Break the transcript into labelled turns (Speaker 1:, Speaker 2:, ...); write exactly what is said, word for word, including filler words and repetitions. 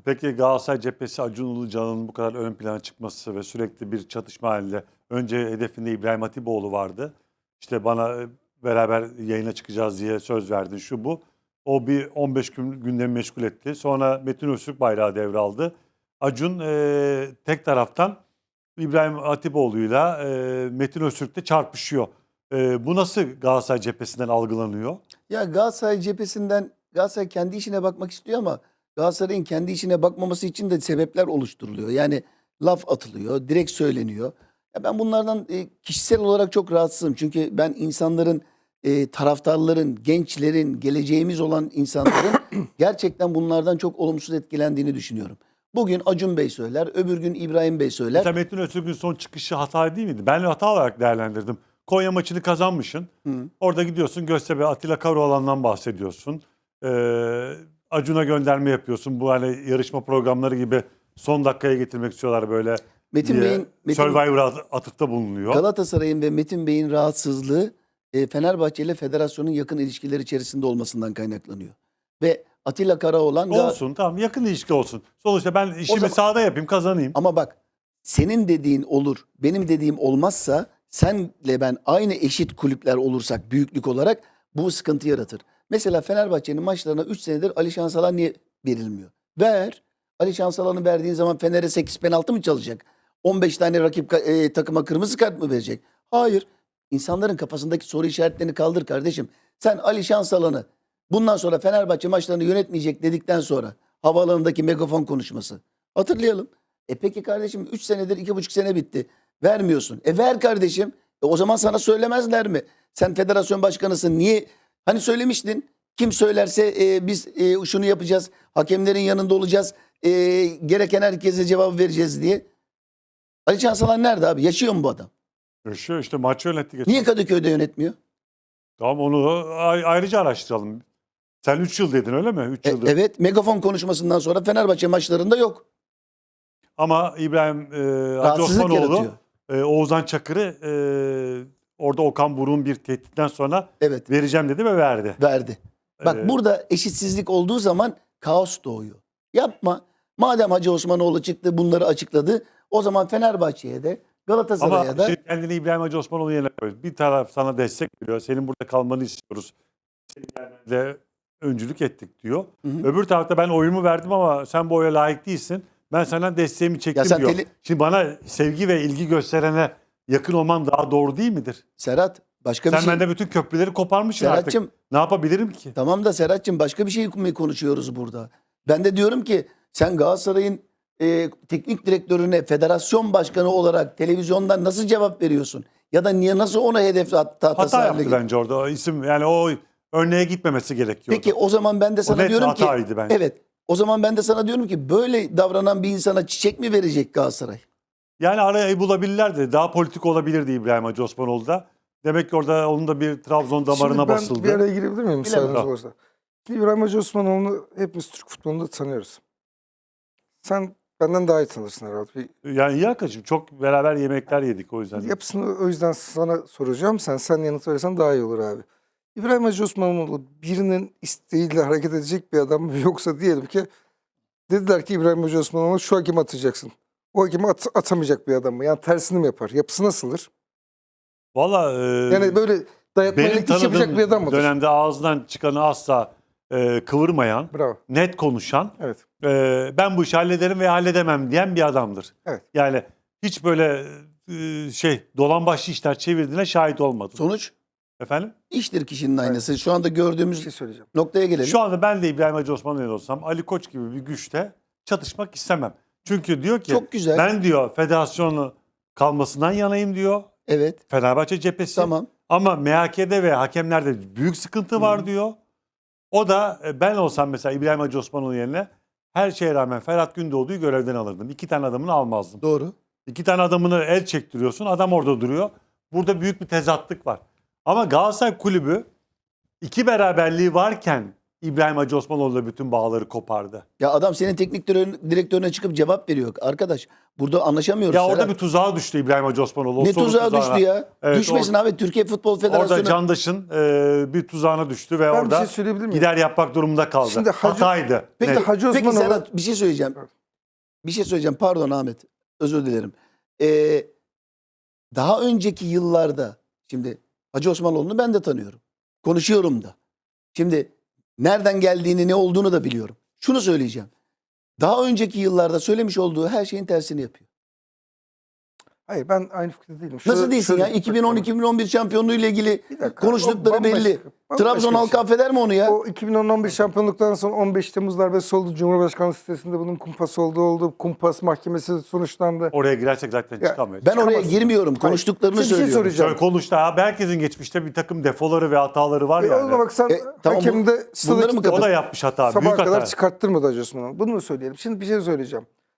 Speaker 1: Peki Galatasaray cephesi Acun Ilıcalı'nın bu kadar ön plana çıkması ve sürekli bir çatışma halinde. Önce hedefinde İbrahim Hatipoğlu vardı. İşte bana e, beraber yayına çıkacağız diye söz verdin şu bu. O bir on beş gün gündemi meşgul etti. Sonra Metin Öztürk bayrağı devraldı. Acun e, tek taraftan İbrahim Hatipoğlu'yla e, Metin Öztürk'te çarpışıyor. E, bu nasıl Galatasaray cephesinden algılanıyor?
Speaker 2: Ya Galatasaray cephesinden Galatasaray kendi işine bakmak istiyor ama Galatasaray'ın kendi işine bakmaması için de sebepler oluşturuluyor. Yani laf atılıyor, direkt söyleniyor. Ya ben bunlardan e, kişisel olarak çok rahatsızım. Çünkü ben insanların, e, taraftarların, gençlerin, geleceğimiz olan insanların gerçekten bunlardan çok olumsuz etkilendiğini düşünüyorum. Bugün Acun Bey söyler, öbür gün İbrahim Bey söyler.
Speaker 1: Mesela Metin Öztürk'ün son çıkışı hata değil miydi? Ben hata olarak değerlendirdim. Konya maçını kazanmışsın.
Speaker 2: Hı.
Speaker 1: Orada gidiyorsun Göztepe Atilla Karaoğlan'dan bahsediyorsun. Ee, Acun'a gönderme yapıyorsun. Bu hani yarışma programları gibi son dakikaya getirmek istiyorlar böyle.
Speaker 2: Metin
Speaker 1: diye
Speaker 2: Bey'in Metin,
Speaker 1: Survivor'a at- atıfta bulunuyor.
Speaker 2: Galatasaray'ın ve Metin Bey'in rahatsızlığı e, Fenerbahçe ile federasyonun yakın ilişkiler içerisinde olmasından kaynaklanıyor. Ve Atilla Karaoğlan Ga-
Speaker 1: Olsun tamam yakın ilişki olsun. Sonuçta ben işimi
Speaker 2: zaman-
Speaker 1: sahada yapayım kazanayım.
Speaker 2: ama bak, senin dediğin olur, benim dediğim olmazsa, senle ben aynı eşit kulüpler olursak büyüklük olarak bu sıkıntı yaratır. Mesela Fenerbahçe'nin maçlarına üç senedir Ali Şansalan niye verilmiyor? Ver. Ali Şansalan'ı verdiğin zaman Fener'e sekiz penaltı mı çalacak? on beş tane rakip ka- e, takıma kırmızı kart mı verecek? Hayır. İnsanların kafasındaki soru işaretlerini kaldır kardeşim. Sen Ali Şansalan'ı bundan sonra Fenerbahçe maçlarını yönetmeyecek dedikten sonra havaalanındaki megafon konuşması. Hatırlayalım. E peki kardeşim üç senedir iki buçuk sene bitti. Vermiyorsun. E ver kardeşim. E o zaman sana söylemezler mi? Sen federasyon başkanısın. Niye? Hani söylemiştin. Kim söylerse e, biz e, şunu yapacağız. Hakemlerin yanında olacağız. E, gereken herkese cevap vereceğiz diye. Ali Çansalan nerede abi? Yaşıyor mu bu adam?
Speaker 1: Yaşıyor işte maç yönetti geçen.
Speaker 2: Niye Kadıköy'de yönetmiyor?
Speaker 1: Tamam onu a- ayrıca araştıralım. Sen üç yıl dedin öyle mi? üç
Speaker 2: E,
Speaker 1: yıldır.
Speaker 2: evet, megafon konuşmasından sonra Fenerbahçe maçlarında yok.
Speaker 1: Ama İbrahim e, Hacı
Speaker 2: Rahatsızlık
Speaker 1: Osmanoğlu
Speaker 2: yaratıyor.
Speaker 1: e, Oğuzhan Çakır'ı e, orada Okan Buruk'un bir tehditten sonra
Speaker 2: Evet,
Speaker 1: vereceğim dedi ve verdi.
Speaker 2: verdi. Bak
Speaker 1: Ee,
Speaker 2: burada eşitsizlik olduğu zaman kaos doğuyor. Yapma. Madem Hacı Osmanoğlu çıktı bunları açıkladı, o zaman Fenerbahçe'ye de Galatasaray'a
Speaker 1: Ama
Speaker 2: da
Speaker 1: şimdi kendini İbrahim Hacı Osmanoğlu yerine koy. Bir taraf sana destek veriyor. Senin burada kalmanı istiyoruz. Senin gelmende öncülük ettik diyor.
Speaker 2: Hı hı.
Speaker 1: Öbür tarafta ben oyumu verdim ama sen bu oya layık değilsin. Ben senden desteğimi çektim
Speaker 2: sen
Speaker 1: diyor.
Speaker 2: tele-
Speaker 1: Şimdi bana sevgi ve ilgi gösterene yakın olman daha doğru değil midir?
Speaker 2: Serhat başka
Speaker 1: Sen
Speaker 2: bir şey.
Speaker 1: bende bütün köprüleri koparmışsın
Speaker 2: Serhat'cığım,
Speaker 1: artık. Ne yapabilirim ki?
Speaker 2: tamam da Serhat'cığım başka bir şey mi konuşuyoruz burada? Ben de diyorum ki sen Galatasaray'ın e, teknik direktörüne federasyon başkanı olarak televizyondan nasıl cevap veriyorsun? Ya da niye nasıl ona hedef hatta
Speaker 1: Hata yaptı bence orada. O isim yani o örneğe gitmemesi gerekiyordu.
Speaker 2: Peki o zaman ben de sana
Speaker 1: net
Speaker 2: diyorum ki
Speaker 1: hataydı bence.
Speaker 2: evet. O zaman ben de sana diyorum ki böyle davranan bir insana çiçek mi verecek Galatasaray?
Speaker 1: Yani arayı bulabilirlerdi. Daha politik olabilirdi İbrahim Hacı Osmanoğlu da. Demek ki orada onun da bir Trabzon damarına
Speaker 3: Şimdi ben
Speaker 1: basıldı.
Speaker 3: bir araya girebilir miyim müsaadeniz
Speaker 1: Bilemem.
Speaker 3: olursa? Şimdi İbrahim Hacı Osmanoğlu'nu hepimiz Türk futbolunda tanıyoruz. Sen benden daha iyi tanırsın herhalde. Bir
Speaker 1: Yani iyi arkadaşım çok beraber yemekler yedik o yüzden.
Speaker 3: yapısını o yüzden sana soracağım. Sen sen yanıt verirsen daha iyi olur abi. İbrahim Hacı Osmanoğlu birinin isteğiyle hareket edecek bir adam mı? Yoksa diyelim ki dediler ki İbrahim Hacı Osmanoğlu şu hakemi atacaksın. O hakemi at, atamayacak bir adam mı? Yani tersini mi yapar? Yapısı nasıldır?
Speaker 1: Valla e,
Speaker 3: Yani böyle dayatmayla
Speaker 1: benim
Speaker 3: iş yapacak bir
Speaker 1: tanıdığım
Speaker 3: adam mıdır?
Speaker 1: dönemde ağzından çıkanı asla e, kıvırmayan,
Speaker 3: Bravo.
Speaker 1: net konuşan,
Speaker 3: Evet.
Speaker 1: e, ben bu işi hallederim veya halledemem diyen bir adamdır.
Speaker 3: Evet.
Speaker 1: Yani hiç böyle e, şey dolambaçlı işler çevirdiğine şahit olmadım.
Speaker 2: Sonuç
Speaker 1: Efendim?
Speaker 2: iştir kişinin
Speaker 3: Evet.
Speaker 2: aynısı. Şu anda
Speaker 3: Bir
Speaker 2: gördüğümüz
Speaker 3: şey söyleyeceğim.
Speaker 2: noktaya gelelim.
Speaker 1: Şu anda ben de İbrahim Hacı Osmanoğlu olsam Ali Koç gibi bir güçte çatışmak istemem. Çünkü diyor ki
Speaker 2: Çok güzel.
Speaker 1: ben diyor federasyonu kalmasından yanayım diyor.
Speaker 2: Evet.
Speaker 1: Fenerbahçe cephesi.
Speaker 2: Tamam.
Speaker 1: Ama M H K'de ve hakemlerde büyük sıkıntı var
Speaker 2: Hı.
Speaker 1: diyor. O da e, ben olsam mesela İbrahim Hacı Osmanoğlu yerine her şeye rağmen Ferhat Gündoğdu'yu görevden alırdım. İki tane adamını almazdım.
Speaker 2: Doğru.
Speaker 1: İki tane adamını el çektiriyorsun. Adam orada duruyor. Burada büyük bir tezatlık var. Ama Galatasaray Kulübü iki beraberliği varken İbrahim Hacı Osmanoğlu'yla bütün bağları kopardı.
Speaker 2: Ya adam senin teknik direktör- direktörüne çıkıp cevap veriyor. Arkadaş burada anlaşamıyoruz.
Speaker 1: Ya orada
Speaker 2: Serhat.
Speaker 1: bir tuzağa düştü İbrahim Hacı Osmanoğlu. O
Speaker 2: Ne
Speaker 1: soru
Speaker 2: tuzağa
Speaker 1: tuzağına.
Speaker 2: düştü ya?
Speaker 1: Evet,
Speaker 2: Düşmesin
Speaker 1: or-
Speaker 2: abi. Türkiye Futbol Federasyonu.
Speaker 1: Orada Candaş'ın e, bir tuzağına düştü ve
Speaker 3: Ben bir
Speaker 1: orada
Speaker 3: şey söyleyebilir miyim?
Speaker 1: gider yapmak durumunda kaldı.
Speaker 3: Şimdi Hacı-
Speaker 1: Hataydı.
Speaker 2: Peki,
Speaker 1: Net.
Speaker 3: Hacı
Speaker 2: peki
Speaker 3: Osmanoğlu-
Speaker 2: Serhat bir şey söyleyeceğim. Bir şey söyleyeceğim. Pardon Ahmet. Özür dilerim. Ee, daha önceki yıllarda şimdi Hacı Osmanoğlu'nu ben de tanıyorum. Konuşuyorum da. Şimdi nereden geldiğini, ne olduğunu da biliyorum. Şunu söyleyeceğim. Daha önceki yıllarda söylemiş olduğu her şeyin tersini yapıyor.
Speaker 3: Hayır ben aynı fikirde değilim.
Speaker 2: Nasıl
Speaker 3: Şöyle-
Speaker 2: değilsin ya?
Speaker 3: şöyle-
Speaker 2: iki bin on iki bin on bir şampiyonluğu ile ilgili
Speaker 3: Bir dakika,
Speaker 2: konuştukları
Speaker 3: o bambaşka-
Speaker 2: belli.
Speaker 3: bambaşka
Speaker 2: Trabzon
Speaker 3: bir
Speaker 2: halkı
Speaker 3: şey.
Speaker 2: affeder mi onu ya?
Speaker 3: O iki bin on bir şampiyonluktan sonra on beş Temmuz darbesi oldu. Cumhurbaşkanlığı sitesinde bunun kumpas olduğu oldu. Kumpas mahkemesi sonuçlandı.
Speaker 1: Oraya girersek zaten
Speaker 3: Ya,
Speaker 1: çıkamayız.
Speaker 2: Ben oraya
Speaker 3: çıkamazsın.
Speaker 2: girmiyorum.
Speaker 3: Hayır.
Speaker 2: Konuştuklarını
Speaker 3: Şimdi bir şey
Speaker 2: söylüyorum.
Speaker 3: soracağım.
Speaker 1: Şöyle konuştu abi. Herkesin geçmişte bir takım defoları ve hataları var
Speaker 3: E,
Speaker 1: yani.
Speaker 3: o zaman bak sen
Speaker 2: E, tamam,
Speaker 3: hakem
Speaker 2: bu-
Speaker 3: de
Speaker 2: bunları mı
Speaker 3: stada
Speaker 2: kadar-
Speaker 1: O da yapmış hata.
Speaker 3: sabaha
Speaker 1: Büyük
Speaker 3: kadar
Speaker 1: hata.
Speaker 3: çıkarttırmadı Hacı Osman'ı. Bunu mu söyleyelim? Şimdi bir şey söyleyeceğim.